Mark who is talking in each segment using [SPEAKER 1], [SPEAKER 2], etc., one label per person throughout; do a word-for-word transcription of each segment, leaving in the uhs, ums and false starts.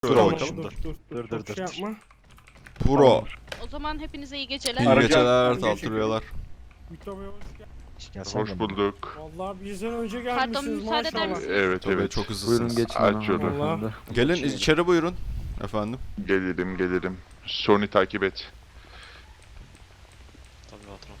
[SPEAKER 1] Dur
[SPEAKER 2] Tamam,
[SPEAKER 1] bakalım.
[SPEAKER 2] dur, dur, dur,
[SPEAKER 1] Dur, dur,
[SPEAKER 2] çok
[SPEAKER 1] dur.
[SPEAKER 2] şey yapma.
[SPEAKER 3] Pro.
[SPEAKER 4] O zaman hepinize iyi geceler.
[SPEAKER 3] İyi
[SPEAKER 2] Aracı-
[SPEAKER 3] geceler
[SPEAKER 2] aracı
[SPEAKER 3] Taltırıyorlar.
[SPEAKER 2] Vito'ya hoş geldin.
[SPEAKER 1] Gelsene
[SPEAKER 5] Hoş
[SPEAKER 1] bana.
[SPEAKER 5] bulduk.
[SPEAKER 2] Vallahi bizden önce
[SPEAKER 4] Pardon,
[SPEAKER 2] gelmişsiniz
[SPEAKER 4] müsaade eder
[SPEAKER 2] maşallah.
[SPEAKER 4] misiniz?
[SPEAKER 5] Evet
[SPEAKER 3] Tabii
[SPEAKER 5] evet.
[SPEAKER 3] çok hızlısınız.
[SPEAKER 6] Buyurun geçin
[SPEAKER 5] Açıyorum.
[SPEAKER 6] ana hanımefendi.
[SPEAKER 3] Gelin
[SPEAKER 6] Geçin.
[SPEAKER 3] içeri buyurun. Efendim.
[SPEAKER 5] Gelirim gelirim. Sony takip et.
[SPEAKER 1] Tabii patron.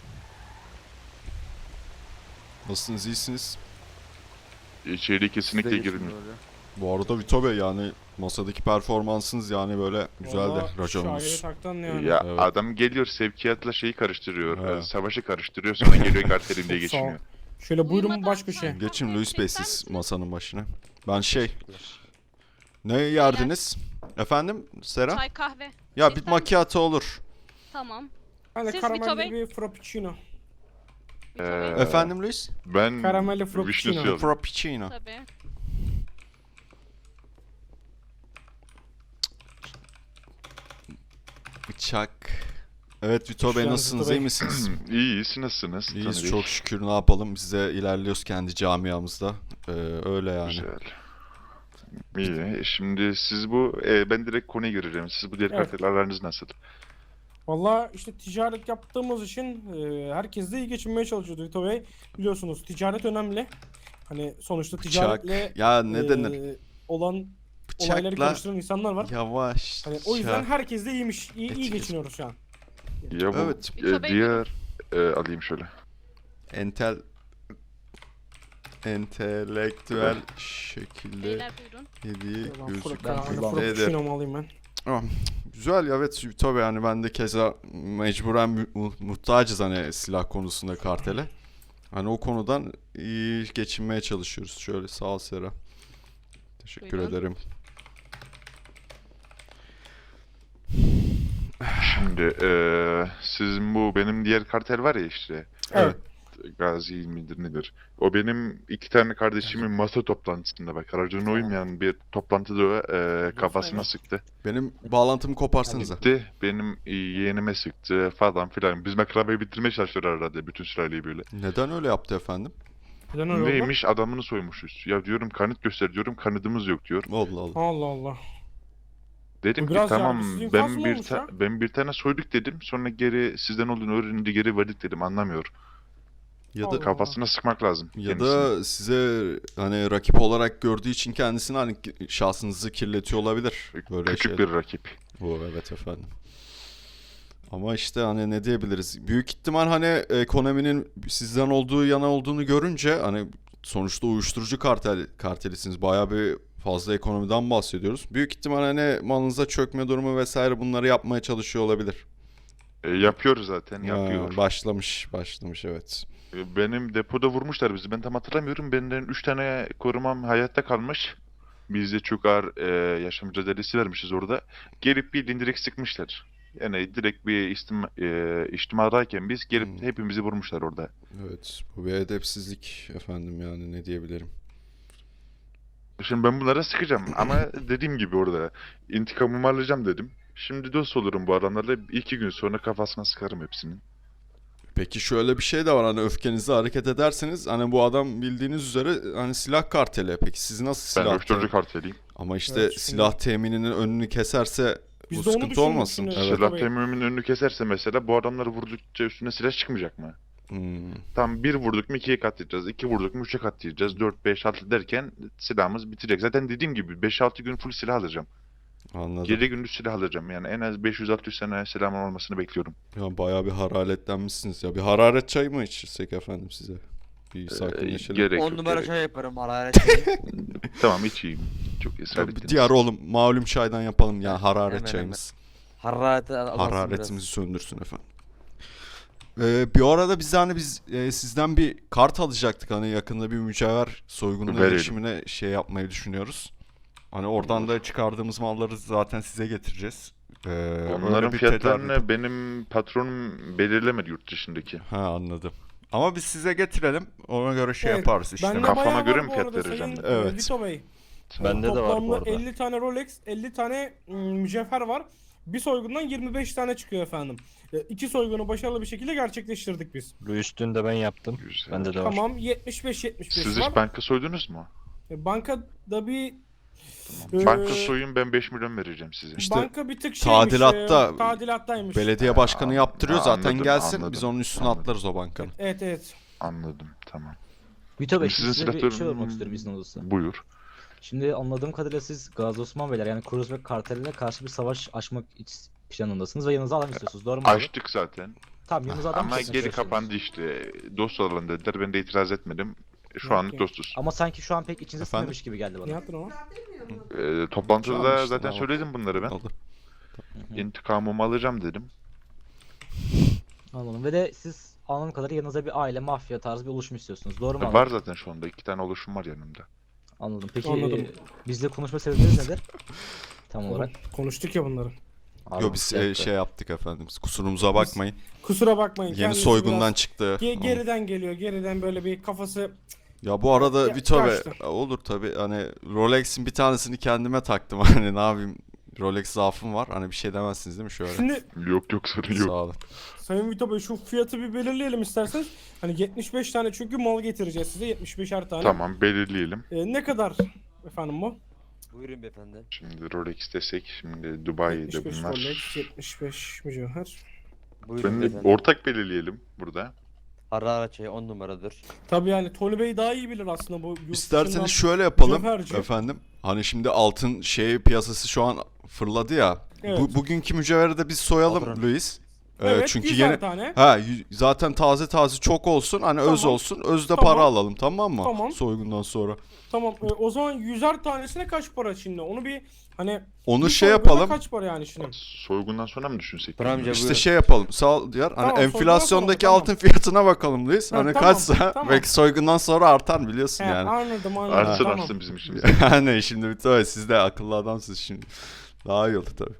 [SPEAKER 3] Nasılsınız, iyisiniz?
[SPEAKER 5] İçeri
[SPEAKER 6] Siz de
[SPEAKER 5] kesinlikle
[SPEAKER 6] geçin
[SPEAKER 5] girin.
[SPEAKER 6] böyle.
[SPEAKER 3] Bu arada Vito Bey, yani masadaki performansınız yani böyle güzeldi
[SPEAKER 2] Vallahi
[SPEAKER 3] raconunuz.
[SPEAKER 2] şairi taktan yani.
[SPEAKER 5] Ya
[SPEAKER 3] Evet.
[SPEAKER 5] adam geliyor sevkiyatla şeyi karıştırıyor.
[SPEAKER 3] Evet.
[SPEAKER 5] e, Savaşı karıştırıyor sonra geliyor kartelim diye
[SPEAKER 2] Çok sağ ol.
[SPEAKER 5] geçiniyor.
[SPEAKER 2] Şöyle buyurun
[SPEAKER 4] Uyumadan
[SPEAKER 2] baş köşe.
[SPEAKER 4] sonra-
[SPEAKER 3] Geçin Luis Bey siz
[SPEAKER 4] Çekler
[SPEAKER 3] masanın başına. Ben şey, ne yerdiniz? Efendim Sera?
[SPEAKER 4] Çay kahve.
[SPEAKER 3] Ya bir
[SPEAKER 4] İster
[SPEAKER 3] macchiato olur.
[SPEAKER 4] Tamam.
[SPEAKER 2] Ben de
[SPEAKER 4] Siz Vito
[SPEAKER 2] karamelli
[SPEAKER 4] Bey?
[SPEAKER 2] bir frappuccino.
[SPEAKER 4] Vito
[SPEAKER 5] Ee,
[SPEAKER 4] Bey.
[SPEAKER 3] Efendim Luis?
[SPEAKER 5] Ben
[SPEAKER 2] Karamelli
[SPEAKER 5] vişne
[SPEAKER 2] frappuccino.
[SPEAKER 5] suyu alayım.
[SPEAKER 3] Frappuccino.
[SPEAKER 4] Tabii.
[SPEAKER 3] Bıçak. Evet Vito Bey,
[SPEAKER 2] Hoş geldiniz
[SPEAKER 3] nasılsınız,
[SPEAKER 2] Vito
[SPEAKER 3] iyi
[SPEAKER 2] Bey.
[SPEAKER 3] misiniz?
[SPEAKER 5] İyiyiz siz nasılsınız?
[SPEAKER 3] İyiyiz
[SPEAKER 5] Tony Bey?
[SPEAKER 3] çok şükür, ne yapalım, biz de ilerliyoruz kendi camiamızda. Ee, öyle yani.
[SPEAKER 5] Güzel. İyi. E, Şimdi siz bu e, ben direkt konuya gireceğim. Siz bu diğer
[SPEAKER 2] Evet.
[SPEAKER 5] kartel aranız nasıl?
[SPEAKER 2] Vallahi işte ticaret yaptığımız için e, herkes de iyi geçinmeye çalışıyordu Vito Bey. Biliyorsunuz ticaret önemli. Hani sonuçta
[SPEAKER 3] Bıçak.
[SPEAKER 2] ticaretle
[SPEAKER 3] Ya ne
[SPEAKER 2] e,
[SPEAKER 3] denir?
[SPEAKER 2] olan olayları
[SPEAKER 3] Bıçakla
[SPEAKER 2] karıştıran insanlar var.
[SPEAKER 3] yavaş.
[SPEAKER 2] Hani o yüzden
[SPEAKER 3] bıçak.
[SPEAKER 2] herkes de iyiymiş. İyi, iyi
[SPEAKER 3] Etiket.
[SPEAKER 2] geçiniyoruz şu an.
[SPEAKER 5] Ya bu
[SPEAKER 3] Evet.
[SPEAKER 5] e,
[SPEAKER 4] Vito Bey,
[SPEAKER 5] diğer e, alayım şöyle.
[SPEAKER 3] Entel entelektüel şekilde
[SPEAKER 4] Beyler buyurun.
[SPEAKER 3] hediye
[SPEAKER 2] Ben fr-
[SPEAKER 3] gözüküyor.
[SPEAKER 2] karamel
[SPEAKER 6] kullandım.
[SPEAKER 2] frappuccino mu alayım ben?
[SPEAKER 3] Tamam. Güzel ya, evet tabii yani ben de keza mecburen mu- mu- muhtacız hani silah konusunda kartele. Hani o konudan iyi geçinmeye çalışıyoruz. Şöyle sağ ol Sera. Teşekkür
[SPEAKER 4] Buyurun.
[SPEAKER 3] ederim.
[SPEAKER 5] Şimdi eee sizin bu benim diğer kartel var ya işte.
[SPEAKER 2] Evet.
[SPEAKER 5] Gazi midir nedir? O benim iki tane kardeşimin masa toplantısında bak aracına uymayan bir toplantıda o, eee, kafasına
[SPEAKER 2] evet.
[SPEAKER 5] sıktı.
[SPEAKER 3] Benim bağlantımı koparsanıza.
[SPEAKER 5] Gitti benim yeğenime sıktı falan filan. Bizim akrabayı bitirmeye çalışıyorlar herhalde bütün süreyi böyle.
[SPEAKER 3] Neden öyle yaptı efendim?
[SPEAKER 2] Neden öyle oldu?
[SPEAKER 5] Neymiş adamını soymuşuz. Ya diyorum kanıt göster diyorum kanıtımız yok diyor.
[SPEAKER 3] Allah Allah.
[SPEAKER 2] Allah Allah.
[SPEAKER 5] Dedim
[SPEAKER 2] Bu
[SPEAKER 5] ki
[SPEAKER 2] biraz
[SPEAKER 5] tamam
[SPEAKER 2] yargısız infaz
[SPEAKER 5] ben
[SPEAKER 2] mı
[SPEAKER 5] bir
[SPEAKER 2] olmuş
[SPEAKER 5] ta-
[SPEAKER 2] ya?
[SPEAKER 5] ben bir tane soyduk dedim. Sonra geri sizden olduğunu öğrenince geri verdik dedim anlamıyor.
[SPEAKER 3] Ya da
[SPEAKER 2] Allah.
[SPEAKER 5] Kafasına sıkmak lazım
[SPEAKER 3] ya
[SPEAKER 5] kendisini.
[SPEAKER 3] da size hani rakip olarak gördüğü için kendisini hani şahsınızı kirletiyor olabilir. Böyle
[SPEAKER 5] Küçük
[SPEAKER 3] şeyler.
[SPEAKER 5] bir rakip.
[SPEAKER 3] O evet efendim. Ama işte hani ne diyebiliriz? Büyük ihtimal hani ekonominin sizden olduğu yana olduğunu görünce hani sonuçta uyuşturucu kartel kartelisiniz. Bayağı bir fazla ekonomiden bahsediyoruz. Büyük ihtimal hani malınıza çökme durumu vesaire bunları yapmaya çalışıyor olabilir.
[SPEAKER 5] E, yapıyor zaten
[SPEAKER 3] Ha,
[SPEAKER 5] yapıyor.
[SPEAKER 3] başlamış, başlamış evet.
[SPEAKER 5] E, Benim depoda vurmuşlar bizi. Ben tam hatırlamıyorum. Benden üç tane korumam hayatta kalmış. Biz de çok ağır e, yaşam mücadelesi vermişiz orada. Gelip bildiğin direkt sıkmışlar. Yani direkt bir istim, e, içtimadayken biz gelip
[SPEAKER 3] Hmm.
[SPEAKER 5] hepimizi vurmuşlar orada.
[SPEAKER 3] Evet, bu bir edepsizlik efendim, yani ne diyebilirim.
[SPEAKER 5] Şimdi ben bunlara sıkacağım ama dediğim gibi orada intikamımı alacağım dedim. Şimdi dost olurum bu adamlarla. İki gün sonra kafasına sıkarım hepsinin.
[SPEAKER 3] Peki şöyle bir şey de var, hani öfkenizi hareket ederseniz hani bu adam bildiğiniz üzere hani silah karteli. Peki siz nasıl
[SPEAKER 5] Ben
[SPEAKER 3] silah
[SPEAKER 5] uyuşturucu
[SPEAKER 3] te-
[SPEAKER 5] karteliyim.
[SPEAKER 3] Ama işte
[SPEAKER 2] Evet, şimdi-
[SPEAKER 3] silah temininin önünü keserse
[SPEAKER 2] Biz
[SPEAKER 3] bu
[SPEAKER 2] de onu
[SPEAKER 3] sıkıntı
[SPEAKER 2] düşündük
[SPEAKER 3] olmasın.
[SPEAKER 2] şimdi.
[SPEAKER 3] Evet.
[SPEAKER 2] Evet.
[SPEAKER 5] Silah
[SPEAKER 2] tabii.
[SPEAKER 5] temimimin önünü keserse mesela bu adamları vurdukça üstüne silah çıkmayacak mı?
[SPEAKER 3] Hmm.
[SPEAKER 5] Tam bir vurduk mu ikiye katlayacağız, iki vurduk mu üçe katlayacağız, dört, beş, altı derken silahımız bitecek. Zaten dediğim gibi beş altı gün full silah alacağım.
[SPEAKER 3] Anladım.
[SPEAKER 5] Gece gündüz silah alacağım. Yani en az beş yüz altı yüz tane silahım olmasını bekliyorum.
[SPEAKER 3] Ya bayağı bir hararetlenmişsiniz ya. Bir hararet çayı mı içirsek efendim size? Bir
[SPEAKER 5] Ee,
[SPEAKER 3] sakinleşelim.
[SPEAKER 5] gerek
[SPEAKER 6] on
[SPEAKER 5] yok,
[SPEAKER 6] numara
[SPEAKER 5] gerek.
[SPEAKER 6] çay yaparım hararet çayı.
[SPEAKER 5] Tamam içeyim. Çok ısrar
[SPEAKER 3] Tabii,
[SPEAKER 5] ettiniz.
[SPEAKER 3] diğer oğlum malum çaydan yapalım ya,
[SPEAKER 6] Evet,
[SPEAKER 3] hararet
[SPEAKER 6] hemen,
[SPEAKER 3] çayımız.
[SPEAKER 6] Harareti alırsın
[SPEAKER 3] Hararetimizi söndürsün efendim. Ee, bir arada biz hani biz e, sizden bir kart alacaktık, hani yakında bir mücevher soygununa
[SPEAKER 5] Verelim.
[SPEAKER 3] erişimine şey yapmayı düşünüyoruz. Hani oradan da çıkardığımız malları zaten size getireceğiz. Ee, öyle
[SPEAKER 5] Onların
[SPEAKER 3] bir
[SPEAKER 5] fiyatlarını
[SPEAKER 3] tedarik-
[SPEAKER 5] benim patronum belirlemedi yurt dışındaki.
[SPEAKER 3] Ha, anladım. Ama biz size getirelim, ona göre şey
[SPEAKER 2] Evet,
[SPEAKER 3] yaparız işte.
[SPEAKER 2] Bende
[SPEAKER 5] Kafama
[SPEAKER 2] bayağı
[SPEAKER 5] göre
[SPEAKER 2] var
[SPEAKER 5] mi
[SPEAKER 2] bu
[SPEAKER 5] fiyat
[SPEAKER 2] arada
[SPEAKER 5] vereceğim
[SPEAKER 2] Sayın
[SPEAKER 3] ben? Evet.
[SPEAKER 2] e, Vito Bey.
[SPEAKER 1] Bende de var bu
[SPEAKER 2] Toplamda
[SPEAKER 1] arada.
[SPEAKER 2] elli tane Rolex, elli tane ım, mücevher var. Bir soygundan yirmi beş tane çıkıyor efendim. E, İki soygunu başarılı bir şekilde gerçekleştirdik biz.
[SPEAKER 1] Bu üstünü de ben yaptım.
[SPEAKER 5] Güzel.
[SPEAKER 1] Bende de var.
[SPEAKER 2] Tamam yetmiş beş yetmiş beş
[SPEAKER 5] Siz
[SPEAKER 2] var.
[SPEAKER 5] hiç banka soydunuz mu?
[SPEAKER 2] E, Bankada bir Ee,
[SPEAKER 5] Banka soyun, ben beş milyon vereceğim size.
[SPEAKER 3] İşte
[SPEAKER 2] banka bir tık şeymiş.
[SPEAKER 3] tadilatta-
[SPEAKER 2] e, Tadilattaymış.
[SPEAKER 3] Belediye başkanı yaptırıyor
[SPEAKER 5] Ha,
[SPEAKER 3] zaten,
[SPEAKER 5] anladım,
[SPEAKER 3] gelsin
[SPEAKER 5] anladım,
[SPEAKER 3] biz onun üstüne
[SPEAKER 5] anladım.
[SPEAKER 3] atlarız o bankanın.
[SPEAKER 2] Evet evet.
[SPEAKER 5] Anladım, tamam.
[SPEAKER 7] Vito Bey,
[SPEAKER 5] Sizin
[SPEAKER 7] size bir
[SPEAKER 5] silahlarım-
[SPEAKER 7] şey sormak istiyorum izin olursa.
[SPEAKER 5] Buyur.
[SPEAKER 7] Şimdi anladığım kadarıyla siz Gazi Osman Beyler yani Cruz ve karteline karşı bir savaş açmak iç- planındasınız ve yanınıza adam istiyorsunuz, doğru mu abi?
[SPEAKER 5] Açtık zaten.
[SPEAKER 7] Tamam, yanınıza adam
[SPEAKER 5] Ama
[SPEAKER 7] mı
[SPEAKER 5] geri
[SPEAKER 7] istiyorsunuz?
[SPEAKER 5] kapandı işte. Dost olalım dediler. Ben de itiraz etmedim. Şu
[SPEAKER 2] Yok
[SPEAKER 5] anlık
[SPEAKER 2] ya.
[SPEAKER 5] dostuz.
[SPEAKER 7] Ama sanki şu an pek içinize
[SPEAKER 3] Efendim?
[SPEAKER 7] sinmemiş gibi geldi
[SPEAKER 2] Ne
[SPEAKER 7] bana.
[SPEAKER 2] yaptın o?
[SPEAKER 5] Ee, toplantıda
[SPEAKER 3] Tamam işte,
[SPEAKER 5] zaten
[SPEAKER 3] tamam.
[SPEAKER 5] söyledim bunları ben.
[SPEAKER 3] Oldu.
[SPEAKER 7] Hı hı.
[SPEAKER 5] İntikamımı alacağım dedim.
[SPEAKER 7] Anladım. Ve de siz anladığım kadarıyla yanınıza bir aile, mafya tarzı bir oluşum istiyorsunuz, doğru mu abi?
[SPEAKER 5] Var zaten şu anda. iki tane oluşum var yanımda.
[SPEAKER 7] Anladım. Peki
[SPEAKER 2] Anladım.
[SPEAKER 7] e, bizle konuşma sebebiniz nedir? Tam olarak.
[SPEAKER 2] Konuştuk ya bunları.
[SPEAKER 3] Yo
[SPEAKER 7] Anladım,
[SPEAKER 3] biz
[SPEAKER 7] bir
[SPEAKER 3] e,
[SPEAKER 7] dakika.
[SPEAKER 3] şey yaptık efendim. Kusurumuza bakmayın.
[SPEAKER 2] Kusura bakmayın.
[SPEAKER 3] Yeni
[SPEAKER 2] kendisi
[SPEAKER 3] soygundan
[SPEAKER 2] biraz
[SPEAKER 3] çıktı.
[SPEAKER 2] ge- geriden geliyor. Geriden böyle bir kafası.
[SPEAKER 3] Ya bu arada
[SPEAKER 2] Ya-
[SPEAKER 3] Vito Bey,
[SPEAKER 2] kaçtı.
[SPEAKER 3] olur tabi, hani Rolex'in bir tanesini kendime taktım. Hani ne yapayım, Rolex zaafım var. Hani bir şey demezsiniz değil mi şöyle?
[SPEAKER 2] Şimdi
[SPEAKER 5] Yok yok sorun
[SPEAKER 3] Sağ
[SPEAKER 5] yok.
[SPEAKER 3] olun.
[SPEAKER 2] Sayın Vito Bey şu fiyatı bir belirleyelim isterseniz. Hani yetmiş beş tane çünkü mal getireceğiz size. yetmiş beşer tane.
[SPEAKER 5] Tamam belirleyelim.
[SPEAKER 2] Ee, ne kadar efendim bu?
[SPEAKER 6] Buyurun beyefendi.
[SPEAKER 5] Şimdi Rolex desek şimdi Dubai'de
[SPEAKER 2] yetmiş beş
[SPEAKER 5] bunlar.
[SPEAKER 2] Rolex, yetmiş beş mücevher.
[SPEAKER 6] Buyurun
[SPEAKER 5] Ben de
[SPEAKER 6] beyefendi.
[SPEAKER 5] ortak belirleyelim burada.
[SPEAKER 6] Ara ara çayı on numaradır.
[SPEAKER 2] Tabii yani Tony Bey daha iyi bilir aslında bu. yurt dışından-
[SPEAKER 3] İsterseniz şöyle yapalım
[SPEAKER 2] mücevherci.
[SPEAKER 3] efendim. Hani şimdi altın şey piyasası şu an fırladı ya.
[SPEAKER 2] Evet.
[SPEAKER 3] Bu bugünkü mücevheri de biz soyalım
[SPEAKER 6] Patron.
[SPEAKER 3] Luis. Ee,
[SPEAKER 2] Evet,
[SPEAKER 3] çünkü
[SPEAKER 2] yüzer
[SPEAKER 3] yeni
[SPEAKER 2] tane.
[SPEAKER 3] ha y- zaten taze taze çok olsun, hani öz
[SPEAKER 2] Tamam.
[SPEAKER 3] olsun. Özde
[SPEAKER 2] Tamam.
[SPEAKER 3] para alalım, tamam mı?
[SPEAKER 2] Tamam.
[SPEAKER 3] Soygundan sonra.
[SPEAKER 2] Tamam. e, o zaman yüzer tanesine kaç para şimdi? Onu bir hani
[SPEAKER 3] Onu
[SPEAKER 2] bir
[SPEAKER 3] şey
[SPEAKER 2] soyguna
[SPEAKER 3] yapalım.
[SPEAKER 2] Kaç para yani şimdi?
[SPEAKER 5] Soygundan sonra mı düşünsek?
[SPEAKER 6] Dur amca,
[SPEAKER 3] İşte
[SPEAKER 6] buyurun.
[SPEAKER 3] şey yapalım. Sağ ol diğer. Hani
[SPEAKER 2] Tamam, soygundan
[SPEAKER 3] enflasyondaki
[SPEAKER 2] sonra,
[SPEAKER 3] altın fiyatına bakalım Luis.
[SPEAKER 2] Ha,
[SPEAKER 3] Hani
[SPEAKER 2] tamam,
[SPEAKER 3] kaçsa
[SPEAKER 2] tamam.
[SPEAKER 3] belki soygundan sonra artar, biliyorsun
[SPEAKER 2] He,
[SPEAKER 3] yani.
[SPEAKER 2] anladım anladım.
[SPEAKER 5] Artsın
[SPEAKER 2] tamam.
[SPEAKER 5] artsın bizim işimiz.
[SPEAKER 3] Yani şimdi bir tabii siz de akıllı adamsınız şimdi. Daha iyi olur tabii.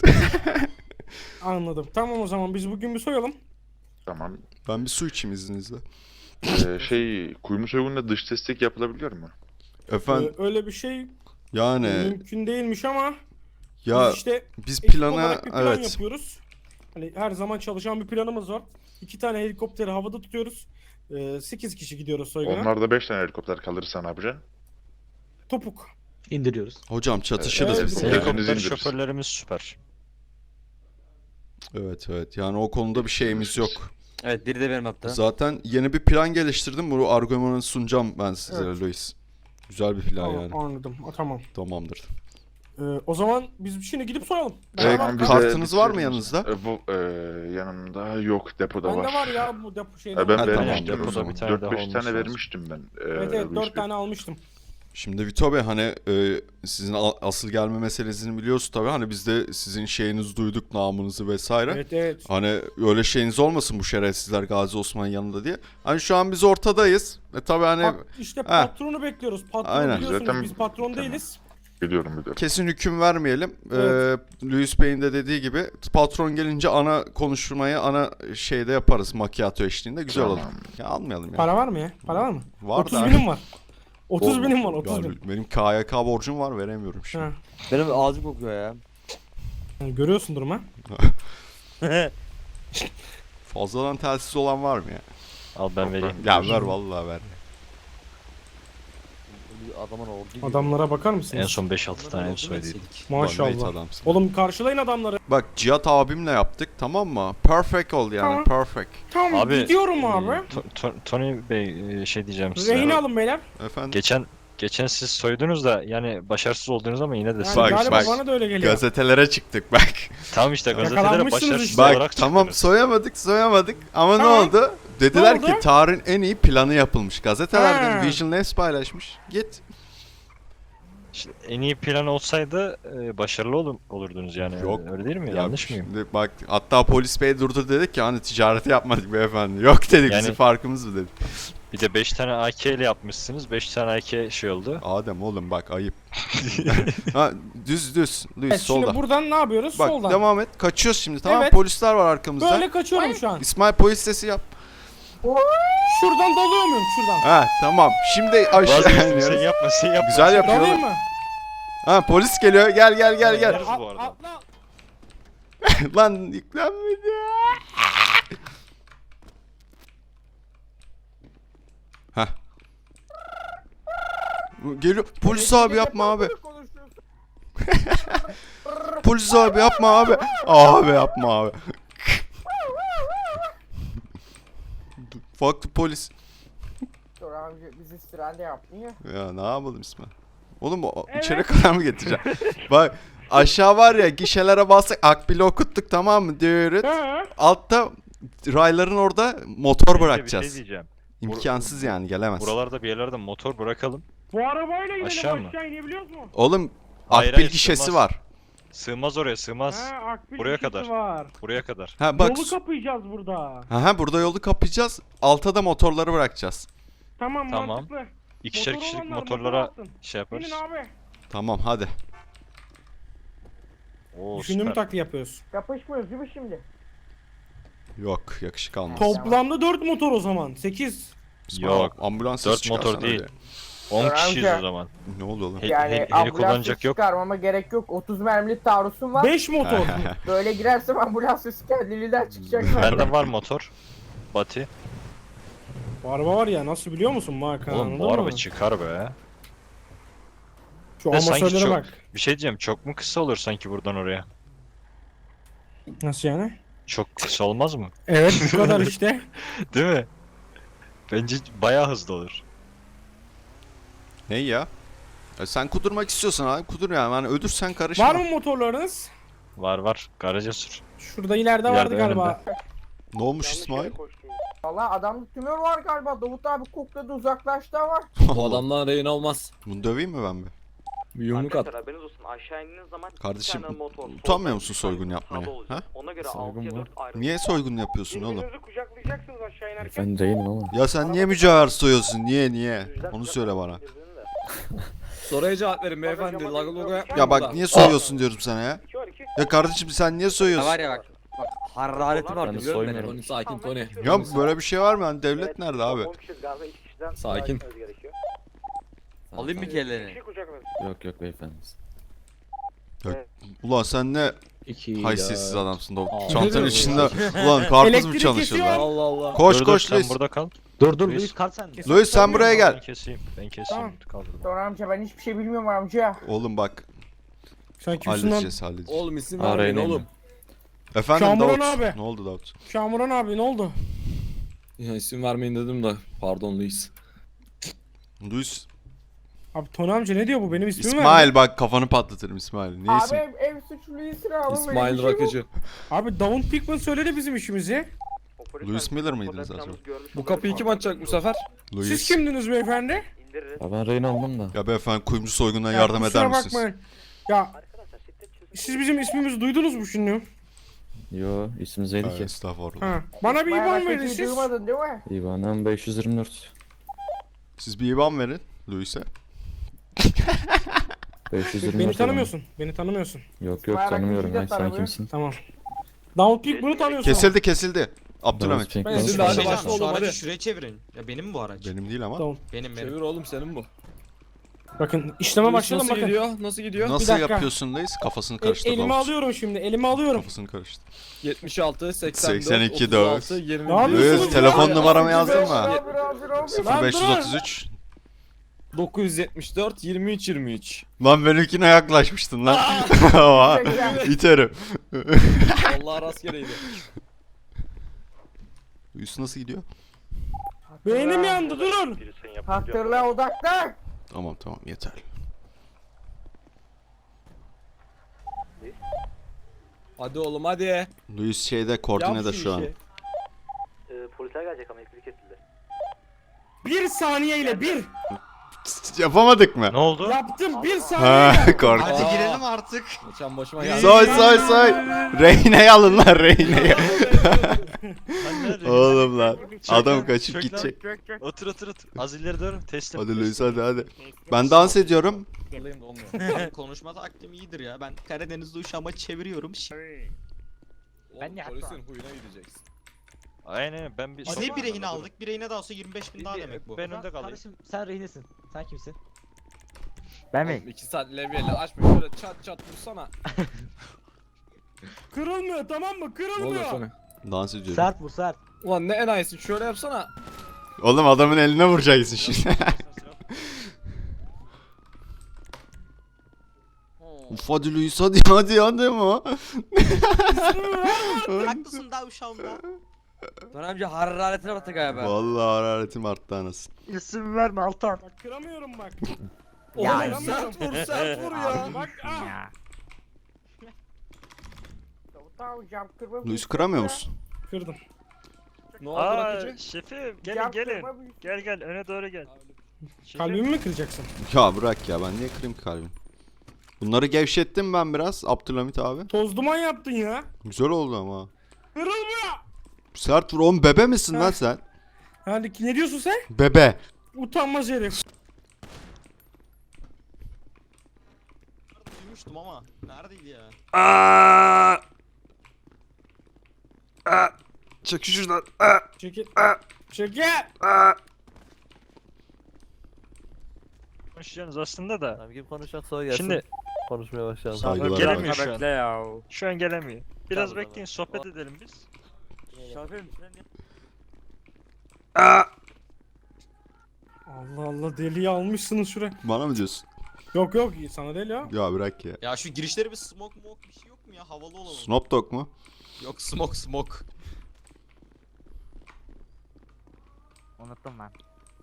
[SPEAKER 2] Anladım. Tamam o zaman biz bugün bir soyalım.
[SPEAKER 5] Tamam.
[SPEAKER 3] Ben bir su içeyim izninizle.
[SPEAKER 5] Ee, şey kuyumcu soygununda dış destek yapılabiliyor mu?
[SPEAKER 3] Efendim
[SPEAKER 2] Ee, öyle bir şey
[SPEAKER 3] yani
[SPEAKER 2] mümkün değilmiş ama
[SPEAKER 3] ya
[SPEAKER 2] biz işte
[SPEAKER 3] biz
[SPEAKER 2] ekip
[SPEAKER 3] plana
[SPEAKER 2] olarak bir plan
[SPEAKER 3] evet
[SPEAKER 2] yapıyoruz. Hani her zaman çalışan bir planımız var. İki tane helikopteri havada tutuyoruz. Ee, sekiz kişi gidiyoruz soyguna.
[SPEAKER 5] Onlarda beş tane helikopter kalırsa ne yapacaksın?
[SPEAKER 2] Topuk.
[SPEAKER 7] İndiriyoruz.
[SPEAKER 3] hocam çatışırız
[SPEAKER 2] Evet,
[SPEAKER 3] biz.
[SPEAKER 2] evet.
[SPEAKER 3] yani.
[SPEAKER 1] Helikopter
[SPEAKER 5] indiririz.
[SPEAKER 1] şoförlerimiz süper.
[SPEAKER 3] Evet evet, yani o konuda bir şeyimiz yok.
[SPEAKER 6] Evet, biri de benim hatta.
[SPEAKER 3] Zaten yeni bir plan geliştirdim. Bu argümanı sunacağım ben size
[SPEAKER 2] Evet.
[SPEAKER 3] Luis. Güzel bir plan
[SPEAKER 2] Tamam,
[SPEAKER 3] yani.
[SPEAKER 2] anladım. Ha, tamam.
[SPEAKER 3] Tamamdır.
[SPEAKER 2] Ee, o zaman biz şimdi gidip soyalım.
[SPEAKER 3] Ee,
[SPEAKER 2] Bende var,
[SPEAKER 5] Tamam, bir de
[SPEAKER 3] kartınız var mı
[SPEAKER 5] bitirelim.
[SPEAKER 3] yanınızda?
[SPEAKER 5] Ee, bu e, yanımda yok, depoda
[SPEAKER 2] bende
[SPEAKER 5] var.
[SPEAKER 2] var ya bu depo şeyde.
[SPEAKER 5] Ha, ben
[SPEAKER 3] Ha, tamam,
[SPEAKER 5] vermiştim.
[SPEAKER 3] depoda
[SPEAKER 1] bir tane
[SPEAKER 5] dört
[SPEAKER 1] daha
[SPEAKER 5] beş
[SPEAKER 1] olması
[SPEAKER 5] tane
[SPEAKER 1] lazım.
[SPEAKER 5] vermiştim ben. Ee,
[SPEAKER 2] Evet evet
[SPEAKER 5] Luis
[SPEAKER 2] dört
[SPEAKER 5] Bey.
[SPEAKER 2] tane almıştım.
[SPEAKER 3] Şimdi Vito Bey, hani e, sizin a- asıl gelme meselesini biliyoruz tabii. Hani biz de sizin şeyinizi duyduk, namınızı vesaire.
[SPEAKER 2] Evet evet.
[SPEAKER 3] Hani öyle şeyiniz olmasın bu şerefsizler Gazi Osman'ın yanında diye. Hani şu an biz ortadayız. E tabii hani
[SPEAKER 2] Pat- işte
[SPEAKER 3] Ha.
[SPEAKER 2] patronu bekliyoruz. Patronu
[SPEAKER 3] Aynen.
[SPEAKER 2] biliyorsunuz
[SPEAKER 5] Zaten-
[SPEAKER 2] biz patron
[SPEAKER 5] Tamam.
[SPEAKER 2] değiliz.
[SPEAKER 5] Biliyorum biliyorum.
[SPEAKER 3] kesin hüküm vermeyelim.
[SPEAKER 2] Evet.
[SPEAKER 3] Ee, Luis Bey'in de dediği gibi patron gelince ana konuşmayı ana şeyde yaparız, macchiato eşliğinde, güzel olur.
[SPEAKER 5] Tamam.
[SPEAKER 3] Ya almayalım ya.
[SPEAKER 2] Para var mı ya? Para var mı?
[SPEAKER 3] Var
[SPEAKER 2] otuz
[SPEAKER 3] da.
[SPEAKER 2] binim var. otuz
[SPEAKER 5] Oldu.
[SPEAKER 2] binim var otuz
[SPEAKER 3] Ya
[SPEAKER 2] bin.
[SPEAKER 3] benim K Y K borcum var, veremiyorum şimdi.
[SPEAKER 2] Ha.
[SPEAKER 6] Benim ağzım kokuyor ya.
[SPEAKER 2] Yani görüyorsundur mu?
[SPEAKER 3] Fazladan telsiz olan var mı ya?
[SPEAKER 1] Al ben vereyim.
[SPEAKER 3] Ya ver vallahi ver.
[SPEAKER 6] Adamın ordu gibi.
[SPEAKER 2] Adamlara bakar mısınız?
[SPEAKER 1] En son beş altı tane soyduk.
[SPEAKER 3] Vallahi
[SPEAKER 2] Maşallah.
[SPEAKER 3] adamsın.
[SPEAKER 2] Oğlum karşılayın adamları.
[SPEAKER 3] Bak Cihat abimle yaptık, tamam mı? Perfect oldu yani,
[SPEAKER 2] Tamam.
[SPEAKER 3] perfect.
[SPEAKER 2] Tamam
[SPEAKER 1] Abi,
[SPEAKER 2] gidiyorum
[SPEAKER 1] e,
[SPEAKER 2] abi.
[SPEAKER 1] To- To- Tony Bey, e, şey diyeceğim size.
[SPEAKER 2] Rehin alın beyler.
[SPEAKER 3] Efendim?
[SPEAKER 1] Geçen geçen siz soydunuz da yani başarısız oldunuz ama yine de
[SPEAKER 2] Yani
[SPEAKER 3] Bak,
[SPEAKER 2] galiba
[SPEAKER 3] bak.
[SPEAKER 2] bana da öyle geliyor.
[SPEAKER 3] Gazetelere çıktık bak.
[SPEAKER 1] tamam işte gazetelere
[SPEAKER 2] Yakalanmışsınız
[SPEAKER 1] başarısız
[SPEAKER 2] işte.
[SPEAKER 1] olarak
[SPEAKER 3] Bak tamam,
[SPEAKER 1] çıktınız.
[SPEAKER 3] soyamadık soyamadık ama
[SPEAKER 2] Tamam.
[SPEAKER 3] ne oldu? Dediler
[SPEAKER 2] Ne
[SPEAKER 3] ki
[SPEAKER 2] oldu?
[SPEAKER 3] tarihin en iyi planı yapılmış. Gazetelerde
[SPEAKER 2] Ha.
[SPEAKER 3] Vision Labs paylaşmış. Git.
[SPEAKER 1] İşte en iyi plan olsaydı e, başarılı olur, olurdunuz yani.
[SPEAKER 3] Yok.
[SPEAKER 1] Öyle değil mi?
[SPEAKER 3] Ya
[SPEAKER 1] Yanlış mıyım?
[SPEAKER 3] şimdi bak, hatta polis bey durdu, dedik ki hani ticareti yapmadık beyefendi. Yok dedik,
[SPEAKER 1] Yani-
[SPEAKER 3] bizim farkımız mı dedik.
[SPEAKER 1] Bir de beş tane A K ile yapmışsınız. beş tane A K şey oldu.
[SPEAKER 3] Adem oğlum bak, ayıp. ha, düz düz. Düz
[SPEAKER 2] Evet,
[SPEAKER 3] solda.
[SPEAKER 2] şimdi buradan ne yapıyoruz?
[SPEAKER 3] Bak
[SPEAKER 2] Soldan.
[SPEAKER 3] devam et. Kaçıyoruz şimdi, tamam mı?
[SPEAKER 2] Evet.
[SPEAKER 3] Polisler var arkamızda.
[SPEAKER 2] Böyle kaçıyorum şu an.
[SPEAKER 3] İsmail polis sesi yap.
[SPEAKER 2] Şuradan dalıyor muyum şuradan?
[SPEAKER 3] Ha tamam. Şimdi aşağı
[SPEAKER 1] Vazgeçtim, sen
[SPEAKER 3] iniyoruz.
[SPEAKER 1] yapma sen yapma.
[SPEAKER 3] Güzel yapıyor.
[SPEAKER 2] Dalayım mı?
[SPEAKER 3] Ha polis geliyor. Gel gel gel gel.
[SPEAKER 1] Gel.
[SPEAKER 2] At-
[SPEAKER 1] bu arada.
[SPEAKER 2] atla.
[SPEAKER 3] Lan yüklenmedi. Heh. Geliyor. Polis abi yapma abi.
[SPEAKER 2] Konuşuyor.
[SPEAKER 3] Polis abi yapma abi. Abi yapma abi. Fuck the polis.
[SPEAKER 8] Dur amca bizi sırada yapmıyor.
[SPEAKER 3] Ya ne yapalım İsmail? Oğlum o içeri kadar mı getireceğim? Bak aşağı var ya gişelere bastık akbili okuttuk tamam mı diyoruz.
[SPEAKER 2] He.
[SPEAKER 3] Altta rayların orada motor
[SPEAKER 1] Neyse,
[SPEAKER 3] bırakacağız.
[SPEAKER 1] Bir şey diyeceğim.
[SPEAKER 3] İmkansız yani gelemez.
[SPEAKER 1] Buralarda bir yerlerde motor bırakalım.
[SPEAKER 2] Bu arabayla gidelim
[SPEAKER 1] Aşağı
[SPEAKER 2] aşağı,
[SPEAKER 1] mı?
[SPEAKER 2] inebiliyor mu?
[SPEAKER 3] Oğlum
[SPEAKER 1] Hayır,
[SPEAKER 3] akbil
[SPEAKER 1] hayır,
[SPEAKER 3] gişesi
[SPEAKER 1] sığmaz.
[SPEAKER 3] var.
[SPEAKER 1] Sığmaz oraya sığmaz.
[SPEAKER 2] Ha, akbil
[SPEAKER 1] Buraya
[SPEAKER 2] gişesi
[SPEAKER 1] kadar.
[SPEAKER 2] var.
[SPEAKER 1] Buraya kadar.
[SPEAKER 3] Ha bak.
[SPEAKER 2] Yolu kapayacağız burada.
[SPEAKER 3] Ha burada yolu kapayacağız. Alta da motorları bırakacağız.
[SPEAKER 2] Tamam,
[SPEAKER 1] Tamam.
[SPEAKER 2] mantıklı.
[SPEAKER 1] İkişer
[SPEAKER 2] Motor
[SPEAKER 1] kişilik
[SPEAKER 2] olanlar motor
[SPEAKER 1] motorlara
[SPEAKER 2] alsın.
[SPEAKER 1] şey yaparız.
[SPEAKER 2] Binin abi.
[SPEAKER 3] Tamam hadi.
[SPEAKER 1] Oo,
[SPEAKER 2] Düşündüğüm
[SPEAKER 1] süper.
[SPEAKER 2] taktiği yapıyoruz.
[SPEAKER 8] Yapışmıyoruz değil mi şimdi?
[SPEAKER 3] Yok yakışık almaz.
[SPEAKER 2] Toplamda dört motor o zaman. sekiz.
[SPEAKER 1] Yok,
[SPEAKER 3] Ambulans
[SPEAKER 1] dört
[SPEAKER 3] sesi
[SPEAKER 1] motor
[SPEAKER 3] çıkarsana
[SPEAKER 1] değil.
[SPEAKER 3] öyle.
[SPEAKER 1] on
[SPEAKER 8] Dur
[SPEAKER 1] kişiyiz
[SPEAKER 8] amca.
[SPEAKER 1] o zaman.
[SPEAKER 3] Ne oluyor oğlum?
[SPEAKER 1] He-
[SPEAKER 8] Yani
[SPEAKER 1] he- heli
[SPEAKER 8] ambulans
[SPEAKER 1] kullanacak
[SPEAKER 8] sesi
[SPEAKER 1] yok.
[SPEAKER 8] çıkarmama gerek yok. otuz mermili taarruzum var.
[SPEAKER 2] beş motor.
[SPEAKER 8] Böyle girersem ambulans sesi kendiliğinden çıkacak.
[SPEAKER 1] Bende var motor. Bati.
[SPEAKER 2] Bu araba var ya nasıl biliyor musun Hakan?
[SPEAKER 1] Oğlum
[SPEAKER 2] anladın
[SPEAKER 1] bu araba
[SPEAKER 2] mı?
[SPEAKER 1] çıkar be.
[SPEAKER 2] Şu
[SPEAKER 1] Ve sanki
[SPEAKER 2] amasörlere
[SPEAKER 1] çok-
[SPEAKER 2] bak.
[SPEAKER 1] Bir şey diyeceğim, çok mu kısa olur sanki buradan oraya?
[SPEAKER 2] Nasıl yani?
[SPEAKER 1] Çok kısa olmaz mı?
[SPEAKER 2] Evet bu kadar işte.
[SPEAKER 1] Değil mi? Bence bayağı hızlı olur.
[SPEAKER 3] Ne ya? Ya sen kudurmak istiyorsan abi kudur yani. Yani ölürsen karışma.
[SPEAKER 2] Var mı motorlarınız?
[SPEAKER 1] Var var. Garaja sür.
[SPEAKER 2] Şurada ileride
[SPEAKER 1] İleride,
[SPEAKER 2] vardı galiba.
[SPEAKER 3] Ne olmuş İsmail?
[SPEAKER 8] Valla adamda tümör var galiba. Davut abi kokladı uzaklaştı ama.
[SPEAKER 9] Bu adamdan rehin olmaz.
[SPEAKER 3] Bunu döveyim mi ben bir?
[SPEAKER 9] Bir yumruk at.
[SPEAKER 10] Haberiniz olsun aşağı indiğiniz zaman
[SPEAKER 3] Kardeşim,
[SPEAKER 10] bir tane motor,
[SPEAKER 3] utanmıyor
[SPEAKER 10] soldan
[SPEAKER 3] musun
[SPEAKER 10] bir tane
[SPEAKER 3] soygun
[SPEAKER 10] sağda
[SPEAKER 3] yapmaya,
[SPEAKER 10] olacak.
[SPEAKER 3] ha?
[SPEAKER 10] Ona göre
[SPEAKER 9] Soygun
[SPEAKER 10] altıya
[SPEAKER 9] mu?
[SPEAKER 10] dört ayrı.
[SPEAKER 3] Niye soygun yapıyorsun oğlum?
[SPEAKER 2] Birbirinizi kucaklayacaksınız aşağı inerken.
[SPEAKER 9] Ben değilim ama.
[SPEAKER 3] Ya sen niye mücevher soyuyorsun? Niye niye? Onu söyle bana.
[SPEAKER 9] Soruya cevap verin beyefendi. Lago logo yapmayın
[SPEAKER 3] Ya bak
[SPEAKER 9] burada.
[SPEAKER 3] niye soyuyorsun diyorum sana ya?
[SPEAKER 2] İki var iki.
[SPEAKER 3] Ya kardeşim sen niye
[SPEAKER 6] Ya
[SPEAKER 3] soyuyorsun?
[SPEAKER 6] var ya bak. Bak hararetim var
[SPEAKER 9] Ben
[SPEAKER 6] biliyorum
[SPEAKER 9] soymuyorum.
[SPEAKER 6] benim.
[SPEAKER 9] Tony sakin Tony.
[SPEAKER 3] Ya böyle bir şey var mı? Hani devlet nerede abi?
[SPEAKER 9] Sakin.
[SPEAKER 6] Alayım mı kelleni?
[SPEAKER 9] Yok yok beyefendi.
[SPEAKER 3] Ulan sen ne
[SPEAKER 7] İki.
[SPEAKER 3] haysiyetsiz
[SPEAKER 7] dört.
[SPEAKER 3] adamsın da
[SPEAKER 7] Aa.
[SPEAKER 3] çantanın
[SPEAKER 2] Ne
[SPEAKER 3] içinde. Ulan karpuz mu
[SPEAKER 2] Elektrik
[SPEAKER 3] çalışır
[SPEAKER 2] kesiyor.
[SPEAKER 3] lan?
[SPEAKER 9] Allah Allah.
[SPEAKER 3] Koş
[SPEAKER 1] Dur, dur,
[SPEAKER 3] koş
[SPEAKER 1] sen
[SPEAKER 3] Luis.
[SPEAKER 1] burada kal.
[SPEAKER 7] Dur dur
[SPEAKER 1] Luis.
[SPEAKER 7] Luis kart sende.
[SPEAKER 3] Luis sen buraya
[SPEAKER 1] Ben
[SPEAKER 3] gel.
[SPEAKER 1] keseyim. Ben keseyim.
[SPEAKER 2] Tamam.
[SPEAKER 1] Kaldırdım.
[SPEAKER 8] Sonra amca ben hiçbir şey bilmiyorum amca.
[SPEAKER 3] Oğlum bak
[SPEAKER 2] Sen kimsin lan?
[SPEAKER 3] halledeceğiz halledeceğiz.
[SPEAKER 9] Oğlum isim
[SPEAKER 6] Arayın
[SPEAKER 9] vermeyin
[SPEAKER 6] hemen.
[SPEAKER 9] oğlum.
[SPEAKER 3] Efendim
[SPEAKER 2] Kamuran
[SPEAKER 3] Davut.
[SPEAKER 2] abi.
[SPEAKER 3] Ne oldu Davut?
[SPEAKER 2] Kamuran abi ne oldu?
[SPEAKER 9] Ya isim vermeyin dedim de. Pardon Luis.
[SPEAKER 3] Luis.
[SPEAKER 2] Abi Tony amca ne diyor bu benim ismim var.
[SPEAKER 3] İsmail bak kafanı patlatırım İsmail. Niye
[SPEAKER 8] Abi
[SPEAKER 3] isim?
[SPEAKER 8] ev, ev suçluyu sıra alın.
[SPEAKER 9] İsmail Rakıcı.
[SPEAKER 2] Abi Davut Pickman söyledi bizim işimizi.
[SPEAKER 3] Louis Miller mıydınız acaba?
[SPEAKER 9] Bu kapıyı kim açacak bu sefer?
[SPEAKER 3] Luis.
[SPEAKER 2] Siz kimdiniz beyefendi?
[SPEAKER 9] Ya ben rehin aldım da.
[SPEAKER 3] Ya beyefendi kuyumcu soygundan
[SPEAKER 2] Ya
[SPEAKER 3] yardım
[SPEAKER 2] kusura
[SPEAKER 3] eder misiniz?
[SPEAKER 2] bakmayın. Ya siz bizim ismimizi duydunuz mu şimdi?
[SPEAKER 9] Yo isminiz neydi
[SPEAKER 3] Evet,
[SPEAKER 9] ki?
[SPEAKER 3] estağfurullah.
[SPEAKER 2] Ha. Bana bir
[SPEAKER 8] İsmail
[SPEAKER 2] iban verin
[SPEAKER 8] Rakıcı'yı
[SPEAKER 2] siz.
[SPEAKER 8] duymadın değil mi?
[SPEAKER 9] İvan'ın beş yüz yirmi dört.
[SPEAKER 3] Siz bir IBAN verin Luis'e.
[SPEAKER 9] beş yüz yirmi dört.
[SPEAKER 2] Beni tanımıyorsun. Beni tanımıyorsun.
[SPEAKER 9] Yok
[SPEAKER 8] İsmail
[SPEAKER 9] yok tanımıyorum
[SPEAKER 8] Rakıcı'yı
[SPEAKER 9] ben.
[SPEAKER 8] da
[SPEAKER 9] Sen
[SPEAKER 8] tanımıyor.
[SPEAKER 9] kimsin?
[SPEAKER 2] Tamam. Davut Pickman'ı tanıyorsun.
[SPEAKER 3] Kesildi kesildi. Abdülhamit.
[SPEAKER 9] Pink
[SPEAKER 2] Ben-
[SPEAKER 9] Floyd.
[SPEAKER 2] Siz
[SPEAKER 9] Hadi
[SPEAKER 2] de-
[SPEAKER 9] başla
[SPEAKER 10] Şu
[SPEAKER 9] oğlum
[SPEAKER 10] aracı
[SPEAKER 9] hadi.
[SPEAKER 10] şuraya çevirin. Ya benim mi bu araç?
[SPEAKER 3] Benim değil ama.
[SPEAKER 2] Tamam.
[SPEAKER 10] Benim benim.
[SPEAKER 9] Çevir oğlum senin bu.
[SPEAKER 2] Bakın işleme
[SPEAKER 9] Luis
[SPEAKER 2] başlayalım
[SPEAKER 9] nasıl
[SPEAKER 2] bakın.
[SPEAKER 9] gidiyor? Nasıl gidiyor?
[SPEAKER 3] Nasıl
[SPEAKER 2] dakika.
[SPEAKER 3] yapıyorsun Luis? Kafasını
[SPEAKER 2] E-
[SPEAKER 3] karıştır.
[SPEAKER 2] elimi
[SPEAKER 3] Davut.
[SPEAKER 2] alıyorum şimdi. Elimi alıyorum.
[SPEAKER 3] Kafasını karıştır.
[SPEAKER 9] yetmiş altı, seksen dört,
[SPEAKER 3] seksen iki,
[SPEAKER 9] otuz altı,
[SPEAKER 3] dört.
[SPEAKER 9] yirmi
[SPEAKER 2] Ne yapıyorsunuz
[SPEAKER 9] bir.
[SPEAKER 3] Luis
[SPEAKER 2] ya?
[SPEAKER 3] telefon numaramı
[SPEAKER 8] Abi,
[SPEAKER 3] yazdın mı?
[SPEAKER 8] abi, abi, abi.
[SPEAKER 2] Lan
[SPEAKER 3] beş yüz otuz üç.
[SPEAKER 9] dokuz yüz yetmiş dört, yirmi üç, yirmi üç.
[SPEAKER 3] Lan benimkine yaklaşmıştın lan. Oha, İterim.
[SPEAKER 9] Allah rastgeleydi.
[SPEAKER 3] Luis nasıl gidiyor?
[SPEAKER 2] Beynim yandı durun.
[SPEAKER 8] Hatırla odaklan.
[SPEAKER 3] Tamam tamam yeter.
[SPEAKER 9] Hadi oğlum hadi.
[SPEAKER 3] Luis şeyde koordinede
[SPEAKER 9] Yap
[SPEAKER 3] şu an.
[SPEAKER 9] işi.
[SPEAKER 10] polisler gelecek ama elektrik kesildi.
[SPEAKER 2] Bir saniyeyle bir.
[SPEAKER 3] Yapamadık mı?
[SPEAKER 1] Ne oldu?
[SPEAKER 2] Yaptım bir
[SPEAKER 3] Ha
[SPEAKER 2] saniyeyle.
[SPEAKER 3] korktum.
[SPEAKER 9] Hadi girelim artık. Geçen başıma geldi.
[SPEAKER 3] Soy soy soy. Reyne'yi alın lan Reyne'yi. Oğlum lan. Adam kaçıp
[SPEAKER 1] Çök lan.
[SPEAKER 3] gidecek.
[SPEAKER 1] Otur otur otur. Az ileri doğru. Teslim.
[SPEAKER 3] Hadi Luis hadi hadi. Ben dans ediyorum.
[SPEAKER 9] Hatırlayayım da olmuyor.
[SPEAKER 10] Konuşma taktiğim iyidir ya. Ben Karadeniz'de uşağıma çeviriyorum.
[SPEAKER 9] Oğlum polisin huyuna gideceksin.
[SPEAKER 1] Aynen ben bir...
[SPEAKER 10] Biz ne bir rehin aldık? Bir rehine daha olsa yirmi beş bin daha demek bu.
[SPEAKER 1] Ben önde kalayım.
[SPEAKER 7] Kardeşim sen rehinesin. Sen kimsin?
[SPEAKER 6] Ben
[SPEAKER 9] Oğlum
[SPEAKER 6] mi?
[SPEAKER 9] iki saat levyeyle açma şöyle çat çat vursana.
[SPEAKER 2] Kırılmıyor tamam mı?
[SPEAKER 9] Ne oluyor
[SPEAKER 2] Kırılmıyor.
[SPEAKER 9] sana?
[SPEAKER 3] Dans ediyorum.
[SPEAKER 7] Sert vur sert.
[SPEAKER 9] Ulan ne enayisin şöyle yapsana.
[SPEAKER 3] Oğlum adamın eline vuracaksın şimdi. Uf hadi Luis hadi hadi hadi ama.
[SPEAKER 10] Haklısın daha uşağım da.
[SPEAKER 6] Sonra amca hararetine battı galiba.
[SPEAKER 3] Vallahi hararetim arttı anasın.
[SPEAKER 7] İsim verme Altan.
[SPEAKER 2] Bak kıramıyorum bak.
[SPEAKER 9] Ya
[SPEAKER 2] Kıramıyorum.
[SPEAKER 9] sert vur sert vur ya.
[SPEAKER 2] Bak ah.
[SPEAKER 8] Davut abi cam kırma.
[SPEAKER 3] Luis kıramıyor musun?
[SPEAKER 2] Kırdım.
[SPEAKER 9] Ne oldu
[SPEAKER 1] Aa
[SPEAKER 9] Rakıcı?
[SPEAKER 1] şefim gelin
[SPEAKER 8] Cam
[SPEAKER 1] gelin.
[SPEAKER 8] kırma büyüsü.
[SPEAKER 1] Gel gel öne doğru gel. Şefim,
[SPEAKER 2] Kalbimi mi kıracaksın?
[SPEAKER 3] Ya bırak ya ben niye kırayım ki kalbini? Bunları gevşettim ben biraz Abdülhamit abi.
[SPEAKER 2] Toz duman yaptın ya.
[SPEAKER 3] Güzel oldu ama.
[SPEAKER 2] Kırılmıyor.
[SPEAKER 3] Sert vur oğlum bebe misin lan
[SPEAKER 2] Heh.
[SPEAKER 3] sen?
[SPEAKER 2] Hadi ne diyorsun sen?
[SPEAKER 3] Bebe.
[SPEAKER 2] Utanmaz herif.
[SPEAKER 10] Duymuştum ama neredeydi ya?
[SPEAKER 3] Aa! Aa! Çek şuradan. Aa!
[SPEAKER 2] Çekil. Çekil.
[SPEAKER 3] Aa!
[SPEAKER 1] konuşacaksınız aslında da.
[SPEAKER 6] Kim konuşacak sonra gelsin.
[SPEAKER 1] Şimdi
[SPEAKER 6] konuşmaya başlayalım.
[SPEAKER 3] Saygılar abi.
[SPEAKER 1] gelemiyor şu an.
[SPEAKER 6] Bekle ya.
[SPEAKER 1] Şu an gelemiyor. Biraz
[SPEAKER 6] Tamam,
[SPEAKER 1] bekleyin sohbet edelim biz.
[SPEAKER 3] Aa!
[SPEAKER 2] Allah Allah deliği almışsınız şuraya.
[SPEAKER 3] Bana mı diyorsun?
[SPEAKER 2] Yok yok sana değil ya.
[SPEAKER 3] Ya bırak ya.
[SPEAKER 10] Ya şu girişleri bir smoke smoke bir şey yok mu ya? Havalı olalım.
[SPEAKER 3] Snoop Dogg mu?
[SPEAKER 10] Yok smoke smoke.
[SPEAKER 6] Unuttum ben.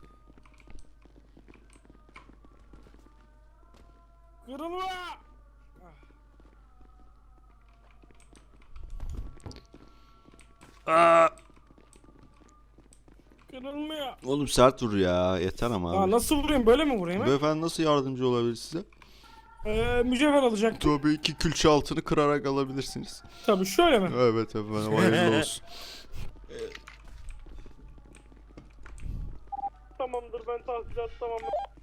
[SPEAKER 2] Kırılma.
[SPEAKER 3] Aa!
[SPEAKER 2] Kırılmıyor.
[SPEAKER 3] Oğlum sert vur ya. Yeter ama
[SPEAKER 2] Aa,
[SPEAKER 3] abi.
[SPEAKER 2] nasıl vurayım böyle mi vurayım ha?
[SPEAKER 3] Beyefendi nasıl yardımcı olabilir size?
[SPEAKER 2] Ee, mücevher alacaktım.
[SPEAKER 3] Tabii ki külçe altını kırarak alabilirsiniz.
[SPEAKER 2] Tabii şöyle mi?
[SPEAKER 3] Evet efendim hayırlı olsun.
[SPEAKER 2] Tamamdır ben tahsilat tamam.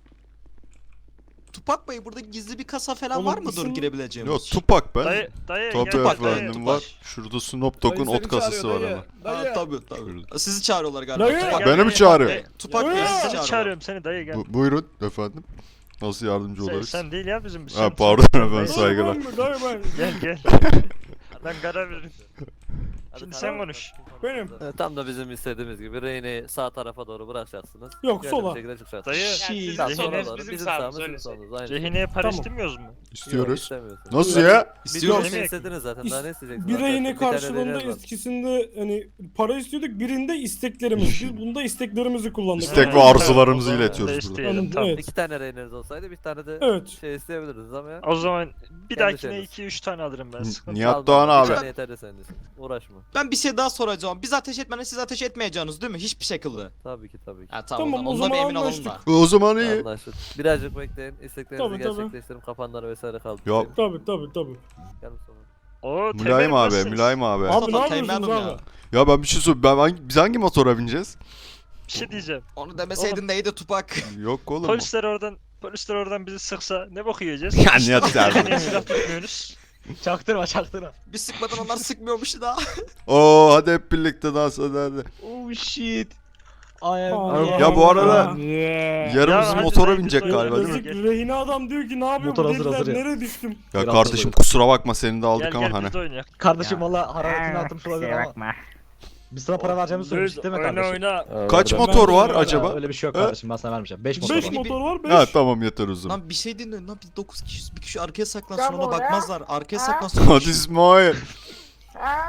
[SPEAKER 10] Tupak Bey burada gizli bir kasa falan
[SPEAKER 2] Oğlum,
[SPEAKER 10] var mıdır
[SPEAKER 2] isim-
[SPEAKER 10] girebileceğimiz?
[SPEAKER 3] Yok Tupak ben.
[SPEAKER 1] Dayı dayı
[SPEAKER 3] Tabii
[SPEAKER 1] gel bak, dayı.
[SPEAKER 3] efendim var. Şurada Snoop Dogg'un
[SPEAKER 9] Dayı
[SPEAKER 3] ot
[SPEAKER 9] seni
[SPEAKER 3] kasası var
[SPEAKER 9] çağırıyor,
[SPEAKER 3] ama.
[SPEAKER 9] dayı.
[SPEAKER 10] Ha, tabii tabii. Sizi çağırıyorlar galiba.
[SPEAKER 2] Dayı!
[SPEAKER 10] Tupak,
[SPEAKER 1] Gel,
[SPEAKER 3] Beni mi
[SPEAKER 1] gel,
[SPEAKER 3] çağırıyor?
[SPEAKER 1] dayı.
[SPEAKER 10] Tupak Bey
[SPEAKER 2] Dayı!
[SPEAKER 10] sizi
[SPEAKER 1] Seni
[SPEAKER 10] çağırıyorlar.
[SPEAKER 1] çağırıyorum seni dayı gel.
[SPEAKER 3] Bu- buyurun efendim. Nasıl yardımcı
[SPEAKER 1] Sen,
[SPEAKER 3] olabiliriz?
[SPEAKER 1] sen değil ya bizim.
[SPEAKER 3] Ha,
[SPEAKER 1] sen-
[SPEAKER 3] pardon
[SPEAKER 1] sen-
[SPEAKER 3] efendim,
[SPEAKER 1] dayı.
[SPEAKER 3] saygılar.
[SPEAKER 2] Dayı ben mi? Dayı ben.
[SPEAKER 1] Gel gel. Lan karar verin. Şimdi sen konuş.
[SPEAKER 2] Benim.
[SPEAKER 6] Tam da bizim istediğimiz gibi Reyne'yi sağ tarafa doğru bırakacaksınız.
[SPEAKER 2] Yok,
[SPEAKER 6] Diğer
[SPEAKER 2] sola.
[SPEAKER 6] bir şekilde çıkacaksınız.
[SPEAKER 1] Dayı.
[SPEAKER 10] Şiii.
[SPEAKER 6] Sağ
[SPEAKER 1] Cehine-
[SPEAKER 6] sola doğru.
[SPEAKER 1] bizim
[SPEAKER 6] Bizim
[SPEAKER 1] sağımız,
[SPEAKER 6] sağımız
[SPEAKER 1] öyle
[SPEAKER 6] sizin solunuz. Aynı.
[SPEAKER 1] Cehine'ye para
[SPEAKER 2] Tamam.
[SPEAKER 1] istemiyoruz mu?
[SPEAKER 6] Yok,
[SPEAKER 3] İstiyoruz.
[SPEAKER 6] istemiyorsunuz.
[SPEAKER 3] Nasıl ya?
[SPEAKER 10] İstiyoruz.
[SPEAKER 6] Birini istediniz zaten. Daha ne isteyeceksiniz?
[SPEAKER 2] Bir rehine
[SPEAKER 6] arkadaşlar? Bir tane
[SPEAKER 2] karşılığında
[SPEAKER 6] rehine var.
[SPEAKER 2] ikisinde hani para istiyorduk birinde isteklerimiz. Biz bunda isteklerimizi kullandık.
[SPEAKER 3] İstek ve
[SPEAKER 1] Ha,
[SPEAKER 3] arzularımızı
[SPEAKER 1] o zaman
[SPEAKER 3] iletiyoruz
[SPEAKER 1] da
[SPEAKER 3] burada.
[SPEAKER 1] isteyelim,
[SPEAKER 2] Anladım,
[SPEAKER 1] tamam.
[SPEAKER 2] evet.
[SPEAKER 6] İki tane rehineniz olsaydı bir tane de
[SPEAKER 2] Evet.
[SPEAKER 6] şey isteyebilirdiniz ama ya.
[SPEAKER 1] O zaman bir
[SPEAKER 6] Kendi
[SPEAKER 1] dahakine
[SPEAKER 6] şeyiniz.
[SPEAKER 1] iki üç tane alırım ben. Sıkıntı
[SPEAKER 3] Nihat
[SPEAKER 6] Al
[SPEAKER 3] Doğan
[SPEAKER 6] bakalım,
[SPEAKER 3] abi.
[SPEAKER 6] Bir tane yeter de senin için. Uğraşma.
[SPEAKER 10] Ben bir şey daha soracağım. Biz ateş etmeden siz ateş etmeyeceksiniz değil mi? Hiçbir şekilde.
[SPEAKER 6] Tabii ki tabii ki.
[SPEAKER 10] Ha tamam.
[SPEAKER 2] Tamam, o
[SPEAKER 10] Ondan bir
[SPEAKER 2] zaman
[SPEAKER 10] emin olalım da.
[SPEAKER 2] anlaştık.
[SPEAKER 3] O zaman iyi.
[SPEAKER 6] Anlaşıldı. Birazcık bekleyin. İsteklerinizi
[SPEAKER 2] Tabii, tabii.
[SPEAKER 6] gerçekleştirin. Kafanları vesaire kaldı.
[SPEAKER 3] Yok.
[SPEAKER 2] Tabii tabii tabii.
[SPEAKER 6] Gel Mustafa.
[SPEAKER 1] Oo,
[SPEAKER 3] Mülayim
[SPEAKER 1] temel
[SPEAKER 3] abi,
[SPEAKER 1] basın.
[SPEAKER 3] mülayim abi.
[SPEAKER 2] Abi ne
[SPEAKER 10] Mustafa,
[SPEAKER 2] yapıyorsunuz
[SPEAKER 10] teğmenim
[SPEAKER 2] abi?
[SPEAKER 10] ya.
[SPEAKER 3] Ya ben bir şey söyleyeyim. Ben hangi, biz hangi motora bineceğiz?
[SPEAKER 1] Bir şey diyeceğim.
[SPEAKER 10] Onu demeseydin neydi Tupak?
[SPEAKER 3] Yok oğlum.
[SPEAKER 1] Polisler oradan Polisler oradan bizi sıksa ne bok yiyeceğiz?
[SPEAKER 3] Ya Nihat abi.
[SPEAKER 1] Niye silah tutmuyoruz?
[SPEAKER 7] Çaktırma çaktırma.
[SPEAKER 10] Biz sıkmadan onlar sıkmıyormuş daha.
[SPEAKER 3] Oo hadi hep birlikte dans hadi.
[SPEAKER 7] Oh shit. I am
[SPEAKER 2] Allah
[SPEAKER 3] Ya bu arada-
[SPEAKER 2] Allah.
[SPEAKER 3] Yarın bizim
[SPEAKER 1] hadi
[SPEAKER 3] motora
[SPEAKER 1] dayı,
[SPEAKER 3] binecek
[SPEAKER 1] biz
[SPEAKER 3] galiba değil mi?
[SPEAKER 2] Yazık rehine adam diyor ki ne yapıyorum
[SPEAKER 7] Motor hazır,
[SPEAKER 2] dediler
[SPEAKER 7] hazır ya.
[SPEAKER 2] nereye düştüm?
[SPEAKER 3] Ya
[SPEAKER 7] Biraz
[SPEAKER 3] kardeşim
[SPEAKER 7] da
[SPEAKER 3] kusura bakma seni de aldık
[SPEAKER 1] Gel
[SPEAKER 3] ama
[SPEAKER 1] gel
[SPEAKER 3] hani.
[SPEAKER 1] biz de oynayak.
[SPEAKER 7] Kardeşim valla hararetini atmış olabilir ama. Biz sana para vereceğimizi söylemiştik değil mi
[SPEAKER 1] oyna
[SPEAKER 7] kardeşim?
[SPEAKER 1] oyna.
[SPEAKER 3] Kaç
[SPEAKER 2] Ben-
[SPEAKER 3] motor var
[SPEAKER 2] ben-
[SPEAKER 3] acaba?
[SPEAKER 7] Öyle bir şey yok
[SPEAKER 3] He?
[SPEAKER 7] kardeşim ben sana vermeyeceğim. beş motor
[SPEAKER 2] beş
[SPEAKER 7] var.
[SPEAKER 2] motor var beş.
[SPEAKER 3] Ha tamam yeter o zaman.
[SPEAKER 10] Lan bir şey dinle. Lan bir dokuz kişi bir kişi arkaya saklansın
[SPEAKER 8] Tamam
[SPEAKER 10] ona
[SPEAKER 8] ya.
[SPEAKER 10] bakmazlar. Arkaya
[SPEAKER 8] Ha?
[SPEAKER 10] saklansın.
[SPEAKER 3] Hadi İsmail.
[SPEAKER 8] Ha?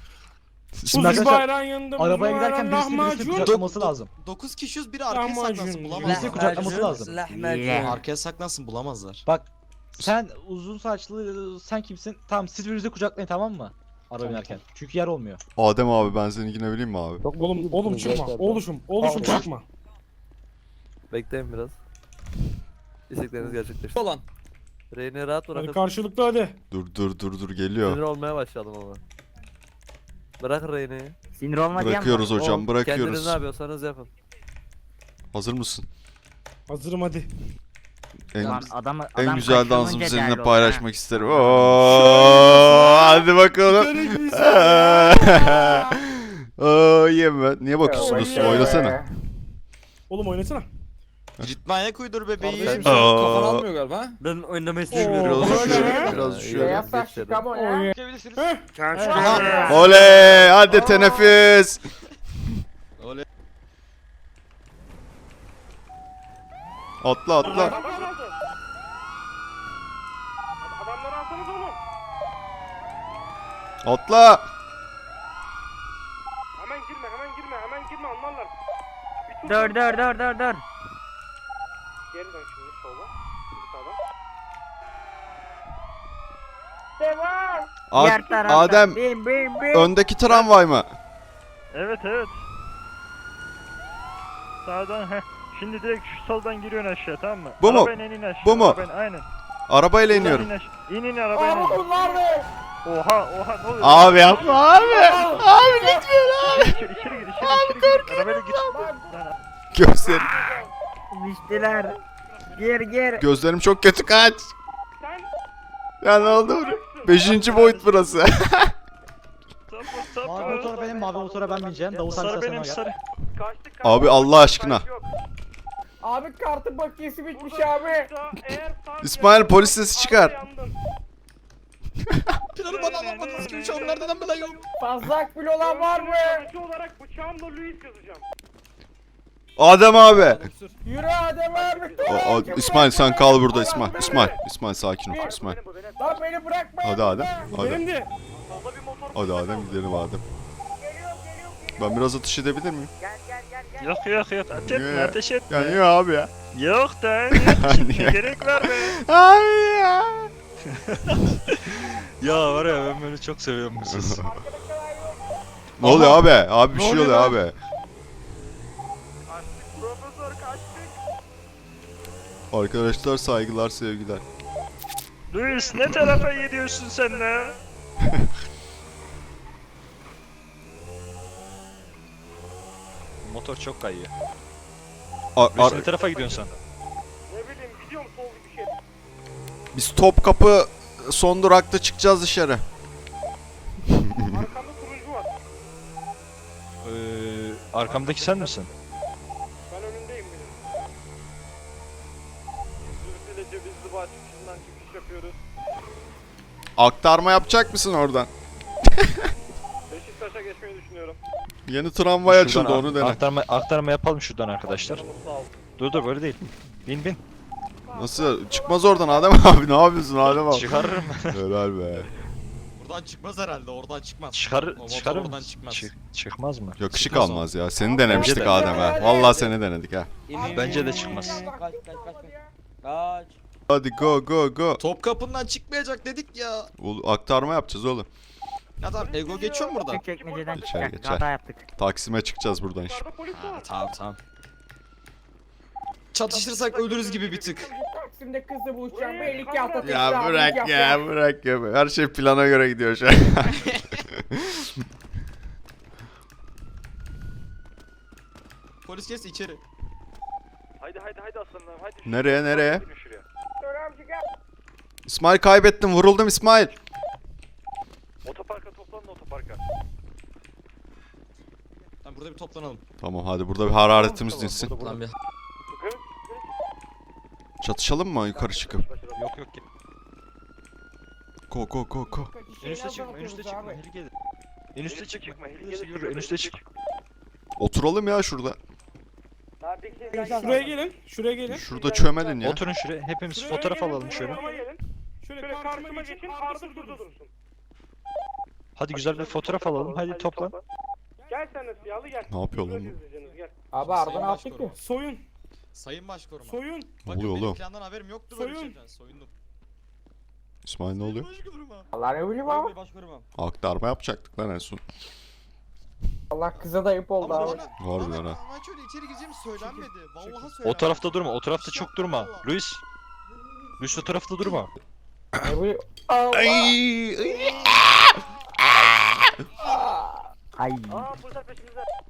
[SPEAKER 7] Şimdi
[SPEAKER 2] Uzi
[SPEAKER 7] arkadaşlar
[SPEAKER 2] bayrağın yanında buz
[SPEAKER 7] arabaya giderken
[SPEAKER 2] bayrağın
[SPEAKER 7] birisinin birisini
[SPEAKER 2] lahmacun.
[SPEAKER 7] kucaklaması lazım.
[SPEAKER 10] dokuz kişiyiz biri arkaya
[SPEAKER 2] Lahmacun.
[SPEAKER 10] saklansın bulamazlar.
[SPEAKER 7] Birisini kucaklaması lazım.
[SPEAKER 10] Arkaya saklansın bulamazlar.
[SPEAKER 7] Bak sen uzun saçlı sen kimsin? Tamam siz birbirinizi kucaklayın tamam mı? Araba binerken. Çünkü yer olmuyor.
[SPEAKER 3] Adem abi ben seninkine bileyim mi abi?
[SPEAKER 2] Oğlum oğlum çıkma. Oğluşum oğluşum çıkma.
[SPEAKER 6] Bekleyin biraz. İstekleriniz gerçekleşti.
[SPEAKER 9] Olan.
[SPEAKER 6] Reyne'yi rahat
[SPEAKER 2] Hadi
[SPEAKER 6] bırakın.
[SPEAKER 2] karşılıklı hadi.
[SPEAKER 3] Dur dur dur dur
[SPEAKER 6] Sinir
[SPEAKER 3] geliyor.
[SPEAKER 6] olmaya başladım ama. Bırakın Reyne'yi.
[SPEAKER 8] Sinir olma
[SPEAKER 3] Bırakıyoruz hocam
[SPEAKER 6] Kendiniz
[SPEAKER 3] bırakıyoruz.
[SPEAKER 6] ne yapıyorsanız yapın.
[SPEAKER 3] Hazır mısın?
[SPEAKER 2] Hazırım hadi.
[SPEAKER 3] En,
[SPEAKER 8] adam,
[SPEAKER 3] en güzel dansımı seninle paylaşmak isterim. Oo, hadi bakalım. Oo yeme. Niye bakıyorsun dostum? Oynasana.
[SPEAKER 2] Oğlum oynasana.
[SPEAKER 10] Ritme ayak uydur bebeğim.
[SPEAKER 9] Kardeşim sen
[SPEAKER 3] Aa.
[SPEAKER 9] kafan almıyor galiba.
[SPEAKER 6] Ben oynamayı
[SPEAKER 2] Oo,
[SPEAKER 6] istemiyorum.
[SPEAKER 3] Biraz
[SPEAKER 2] öyle
[SPEAKER 3] şöyle,
[SPEAKER 2] mi?
[SPEAKER 3] biraz şöyle.
[SPEAKER 8] Beyaz saç çıkama ya.
[SPEAKER 2] Heh.
[SPEAKER 3] Oley! Hadi teneffüs.
[SPEAKER 10] Oley.
[SPEAKER 3] Atla atla.
[SPEAKER 2] Adamlar
[SPEAKER 3] Atla.
[SPEAKER 2] Hemen girme, hemen girme, hemen girme anlarlar. Bir tur
[SPEAKER 8] Dur dur dur dur dur.
[SPEAKER 2] Geri dön şimdi sola. Şimdi sağdan.
[SPEAKER 8] Devam.
[SPEAKER 3] Ad-
[SPEAKER 8] Diğer taraftan.
[SPEAKER 3] Adem
[SPEAKER 8] Bin bin bin.
[SPEAKER 3] öndeki tramvay mı?
[SPEAKER 1] Evet evet. Sağdan heh. Şimdi direkt şu soldan giriyorsun aşağı tamam mı?
[SPEAKER 3] Bu mu?
[SPEAKER 1] Arabayla in aşağı.
[SPEAKER 3] Bu mu?
[SPEAKER 1] Arabayla, aynen.
[SPEAKER 3] Arabayla
[SPEAKER 1] Buradan
[SPEAKER 3] iniyorum.
[SPEAKER 1] in aşağı. İn in arabayla in.
[SPEAKER 8] Abi bunlar ne?
[SPEAKER 1] Oha oha ne oluyor?
[SPEAKER 3] Abi yapma abi. Abi lütfen abi.
[SPEAKER 1] İçeri, içeri gir içeri içeri gir. Arabayla gir. Lan,
[SPEAKER 3] Gözlerim,
[SPEAKER 8] Miştiler. Gir gir.
[SPEAKER 3] gözlerim çok kötü kaç. Ya ne oldu? Beşinci boyut burası.
[SPEAKER 1] sapma, sapma.
[SPEAKER 7] Mavi motor benim, mavi motora ben bineceğim. Davut sen
[SPEAKER 1] Sarı
[SPEAKER 7] sen
[SPEAKER 1] benim
[SPEAKER 7] gel.
[SPEAKER 1] sarı.
[SPEAKER 3] Abi Allah aşkına.
[SPEAKER 8] Abi kartın bakiyesi bitmiş abi.
[SPEAKER 3] İsmail polis sesi çıkar.
[SPEAKER 10] Planı bana anlatmadınız ki şu an nereden bile yok.
[SPEAKER 8] Fazla akbil olan var mı?
[SPEAKER 2] olarak bıçağımla Luis yazacağım.
[SPEAKER 3] Adem abi.
[SPEAKER 8] Yürü Adem abi.
[SPEAKER 3] O- o- İsmail sen kal burada İsmail. İsmail. İsmail sakin ol İsmail.
[SPEAKER 8] Lan beni bırakmayın.
[SPEAKER 3] Hadi Adem.
[SPEAKER 2] Benim
[SPEAKER 3] Hadi.
[SPEAKER 2] de.
[SPEAKER 3] Hadi Adem gidelim Adem. Ben biraz atış edebilir miyim?
[SPEAKER 1] Yok yok yok ateş etme
[SPEAKER 3] Niye?
[SPEAKER 1] ateş etme.
[SPEAKER 3] Ya niye abi ya?
[SPEAKER 1] Yok da niye ateş etme
[SPEAKER 3] Niye?
[SPEAKER 1] gerek var be.
[SPEAKER 3] Abi ya.
[SPEAKER 1] Ya var ya ben böyle çok seviyorum bu sesi.
[SPEAKER 3] Ne oluyor abi? Abi bir
[SPEAKER 1] Ne
[SPEAKER 3] şey
[SPEAKER 1] oluyor
[SPEAKER 3] oluyor
[SPEAKER 1] lan?
[SPEAKER 3] abi. Arkadaşlar saygılar sevgiler.
[SPEAKER 1] Luis ne tarafa gidiyorsun sen la? Motor çok kayıyor.
[SPEAKER 3] A-
[SPEAKER 1] Luis
[SPEAKER 3] ar-
[SPEAKER 1] ne tarafa gidiyorsun sen?
[SPEAKER 2] Ne bileyim gidiyorum sol gibi bir şey.
[SPEAKER 3] Biz Topkapı son durakta çıkacağız dışarı.
[SPEAKER 2] Arkamda turuncu var.
[SPEAKER 1] Ee, arkamdaki sen misin?
[SPEAKER 2] Ben önündeyim benim. Zülfü Cevizli Bağ çıkışından çıkış yapıyoruz.
[SPEAKER 3] Aktarma yapacak mısın oradan?
[SPEAKER 2] Beşiktaş'a geçmeyi düşünüyorum.
[SPEAKER 3] Yeni tramvay açıldı
[SPEAKER 1] Şuradan
[SPEAKER 3] onu
[SPEAKER 1] ak-
[SPEAKER 3] dene.
[SPEAKER 1] Aktarma, aktarma yapalım şuradan arkadaşlar. Dur dur böyle değil. Bin bin.
[SPEAKER 3] Nasıl? Çıkmaz oradan Adem abi. Ne yapıyorsun Adem abi?
[SPEAKER 1] Çıkarırım.
[SPEAKER 3] Helal be.
[SPEAKER 10] Buradan çıkmaz herhalde, oradan çıkmaz.
[SPEAKER 1] Çıkar,
[SPEAKER 10] O motor
[SPEAKER 1] çıkarır
[SPEAKER 10] oradan
[SPEAKER 1] mısın?
[SPEAKER 10] çıkmaz.
[SPEAKER 1] Çık- çıkmaz mı?
[SPEAKER 3] Yakışık
[SPEAKER 10] Çıkmaz o.
[SPEAKER 3] almaz ya. Seni denemiştik
[SPEAKER 1] Bence de.
[SPEAKER 3] Adem ha. Vallahi seni denedik ha.
[SPEAKER 1] Bence de çıkmaz.
[SPEAKER 8] Kaç kaç kaç kaç.
[SPEAKER 3] Hadi go go go.
[SPEAKER 10] Top kapından çıkmayacak dedik ya.
[SPEAKER 3] Oğlum, aktarma yapacağız oğlum.
[SPEAKER 10] Ya tamam, ego geçiyor mu buradan?
[SPEAKER 8] Çekmeceden
[SPEAKER 3] Geçer,
[SPEAKER 8] çıkacak.
[SPEAKER 3] geçer.
[SPEAKER 8] Hata yaptık.
[SPEAKER 3] Taksim'e çıkacağız buradan şimdi.
[SPEAKER 2] Yukarıda polis
[SPEAKER 10] Ha,
[SPEAKER 2] var.
[SPEAKER 10] tamam tamam. Çatıştırsak ölürüz gibi bir tık.
[SPEAKER 8] Taksim'de kızla buluşacağım. Belli ki hafta tekrar
[SPEAKER 3] Ya
[SPEAKER 8] ablik
[SPEAKER 3] bırak
[SPEAKER 8] yapıyor.
[SPEAKER 3] ya bırak ya. Her şey plana göre gidiyor şu an.
[SPEAKER 10] Polis kes içeri.
[SPEAKER 2] Haydi haydi haydi aslanlarım haydi.
[SPEAKER 3] Nereye nereye?
[SPEAKER 2] Gidin şuraya.
[SPEAKER 8] Öğrenci gel.
[SPEAKER 3] İsmail kaybettim. Vuruldum İsmail.
[SPEAKER 2] Otoparka toplanın otoparka.
[SPEAKER 10] Tamam, burada bir toplanalım.
[SPEAKER 3] Tamam hadi burada bir hararetimiz dinsin.
[SPEAKER 10] Buradan bir...
[SPEAKER 3] Çatışalım mı yukarı çıkıp?
[SPEAKER 1] Yok yok. gel.
[SPEAKER 3] Go go go go.
[SPEAKER 1] En üstte çıkma, en üstte çıkma. Heli gelin. En üstte çıkma, heli gelirse yürü, en üstte çık.
[SPEAKER 3] Oturalım ya şurada.
[SPEAKER 2] Şuraya gelin. Şuraya gelin.
[SPEAKER 3] Şurada çömelin ya.
[SPEAKER 1] Oturun şuraya, hepimiz
[SPEAKER 2] Şuraya
[SPEAKER 1] fotoğraf
[SPEAKER 2] gelin,
[SPEAKER 1] alalım şöyle.
[SPEAKER 2] Şöyle gelin. Şöyle karşıma geçin. Arda şurada dursun.
[SPEAKER 1] Hadi güzel bir fotoğraf alalım, hadi toplan.
[SPEAKER 2] Gel sen de siyahlı gel.
[SPEAKER 3] Ne yapıyor lan bu?
[SPEAKER 2] İzleyeceğiniz, gel.
[SPEAKER 8] Abi Arda ne yaptık ki?
[SPEAKER 2] Soyun.
[SPEAKER 10] Sayın Başkoruma.
[SPEAKER 2] Soyun.
[SPEAKER 3] Ne oluyor
[SPEAKER 10] benim
[SPEAKER 3] oğlum?
[SPEAKER 10] plandan haberim yoktu böyle bir
[SPEAKER 2] Soyun.
[SPEAKER 10] şeyden. Soyundum.
[SPEAKER 3] İsmail ne oluyor?
[SPEAKER 10] Başkoruma.
[SPEAKER 8] Allah ne bileyim abi.
[SPEAKER 10] Başkoruma.
[SPEAKER 3] Aktarma yapacaktık lan en son.
[SPEAKER 8] Allah kıza da ayıp oldu
[SPEAKER 10] Ama
[SPEAKER 8] abi.
[SPEAKER 10] bana,
[SPEAKER 3] Harbiden
[SPEAKER 10] bana
[SPEAKER 3] ha.
[SPEAKER 10] amaç öyle içeri gireceğim söylenmedi. Vallahi söylenmedi.
[SPEAKER 1] O tarafta durma, o tarafta çok durma. Luis. Luis o tarafta durma.
[SPEAKER 8] Ne bileyim. Allah.
[SPEAKER 3] Ay, ay.
[SPEAKER 8] Ay.
[SPEAKER 2] Aa polisler peşimizde.